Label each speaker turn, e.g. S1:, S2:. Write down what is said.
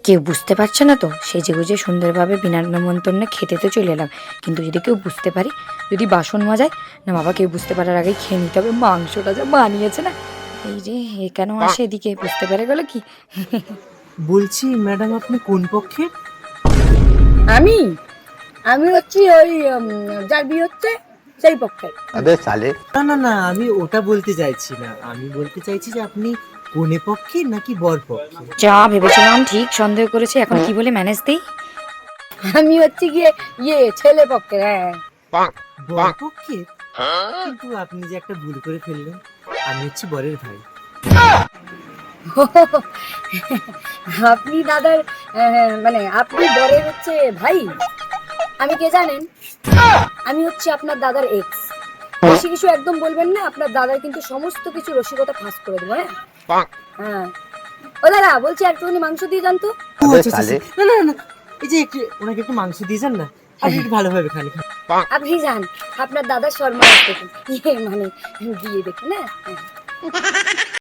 S1: কেউ বুঝতে পারছে না তো, সেজেগুজে সুন্দরভাবে বিনা নেমন্তন্নে খেতে তো চলে এলাম। কিন্তু যদি কেউ বুঝতে পারে, যদি বাসন মজায় না বাবা, কেউ বুঝতে পারার আগেই খেয়ে নিতে হবে। মাংসটা যা বানিয়েছে না, এই রে এ কেন আসে এদিকে, বুঝতে পেরে গেল কি?
S2: বলছি ম্যাডাম, আপনি কোন পক্ষে?
S3: আমি আমি হচ্ছি ওই যার বিয়ে হচ্ছে সেই পক্ষে।
S4: अबे साले।
S2: না না না, আমি ওটা বলতে চাইছি না। আমি বলতে চাইছি যে আপনি কোনে পক্ষে নাকি বর পক্ষে?
S1: যা ভেবেছিলাম ঠিক সন্দেহ করেছে, এখন কি বলে ম্যানেজ দেই?
S3: আমি হচ্ছে গিয়ে ছেলে পক্ষে। হ্যাঁ,
S2: বর পক্ষে? কিন্তু আপনি যে একটা ভুল করে ফেললেন, আমি হচ্ছি বরের ভাই।
S3: আপনি দাদার মানে আপনি বরের হচ্ছে ভাই। আমি কে জানেন? আমি হচ্ছে আপনার দাদার এক্স। বেশি কিছু একদম বলবেন না, আপনার দাদার কিন্তু সমস্ত কিছু রসিকতা ফাঁস করে দেবো। হ্যাঁ হ্যাঁ। ও দাদা, বলছি একটুখানি মাংস দিয়ে যান তো।
S2: ও
S4: अबे
S2: আচ্ছা আচ্ছা,
S4: साले।
S2: না না না, এই যে একটু ওনাকে একটু মাংস দিয়ে যান না, আপনি একটু ভালোভাবে খান।
S3: আপনি যান, আপনার দাদার শর্মা দেখুন, মানে দিয়ে দেখুন। হ্যাঁ।